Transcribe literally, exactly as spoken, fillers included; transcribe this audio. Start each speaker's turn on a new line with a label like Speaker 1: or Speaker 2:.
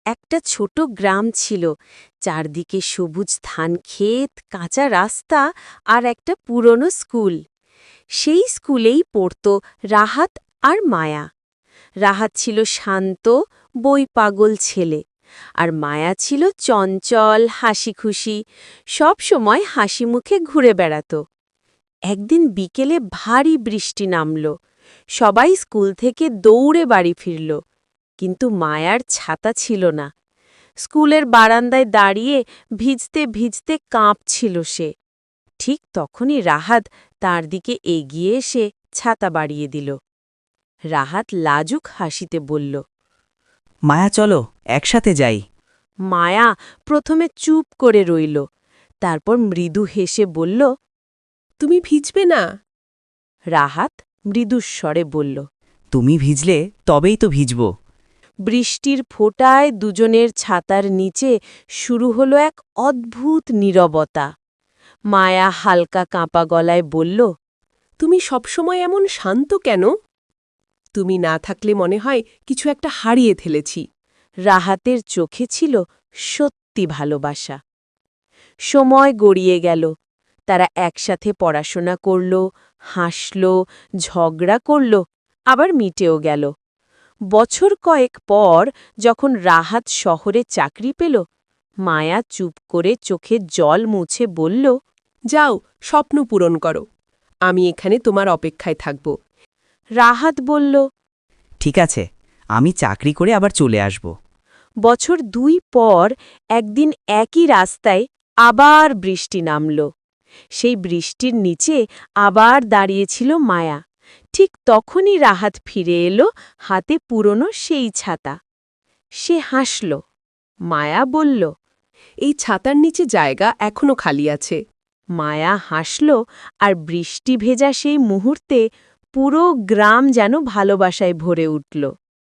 Speaker 1: একটা ছোট গ্রাম ছিল। চারদিকে সবুজ ধান ক্ষেত, কাঁচা রাস্তা আর একটা পুরনো স্কুল। সেই স্কুলেই পড়ত রাহাত আর মায়া। রাহাত ছিল শান্ত, বই পাগল ছেলে, আর মায়া ছিল চঞ্চল, হাসিখুশি, সব সময় হাসি মুখে ঘুরে বেড়াত। একদিন বিকেলে ভারী বৃষ্টি নামল। সবাই স্কুল থেকে দৌড়ে বাড়ি ফিরল, কিন্তু মায়ার ছাতা ছিল না। স্কুলের বারান্দায় দাঁড়িয়ে ভিজতে ভিজতে কাঁপছিল সে। ঠিক তখনই রাহাত তার দিকে এগিয়ে এসে ছাতা বাড়িয়ে দিল। রাহাত লাজুক হাসিতে বলল,
Speaker 2: মায়া চলো একসাথে যাই।
Speaker 1: মায়া প্রথমে চুপ করে রইল, তারপর মৃদু হেসে বলল,
Speaker 3: তুমি ভিজবে না?
Speaker 1: রাহাত মৃদুস্বরে বলল।
Speaker 2: তুমি ভিজলে তবেই তো ভিজব।
Speaker 1: বৃষ্টির ফোঁটায় দুজনের ছাতার নিচে শুরু হলো এক অদ্ভুত নীরবতা। মায়া হালকা কাঁপা গলায় বলল,
Speaker 3: তুমি সবসময় এমন শান্ত কেন? তুমি না থাকলে মনে হয় কিছু একটা হারিয়ে ফেলেছি।
Speaker 1: রাহাতের চোখে ছিল সত্যি ভালোবাসা। সময় গড়িয়ে গেল। তারা একসাথে পড়াশোনা করল, হাসল, ঝগড়া করল, আবার মিটেও গেল। বছর কয়েক পর যখন রাহাত শহরে চাকরি পেল, মায়া চুপ করে চোখে জল মুছে বলল,
Speaker 3: যাও, স্বপ্ন পূরণ করো। আমি এখানে তোমার অপেক্ষায় থাকব।
Speaker 1: রাহাত বলল,
Speaker 2: ঠিক আছে, আমি চাকরি করে আবার চলে আসব।
Speaker 1: বছর দুই পর একদিন একই রাস্তায় আবার বৃষ্টি নামল। সেই বৃষ্টির নিচে আবার দাঁড়িয়েছিল মায়া। ঠিক তখনই রাহাত ফিরে এলো, হাতে পুরনো সেই ছাতা। সে হাসল। মায়া বলল,
Speaker 3: এই ছাতার নিচে জায়গা এখনো খালি আছে।
Speaker 1: মায়া হাসল, আর বৃষ্টি ভেজা সেই মুহূর্তে পুরো গ্রাম যেন ভালোবাসায় ভরে উঠল।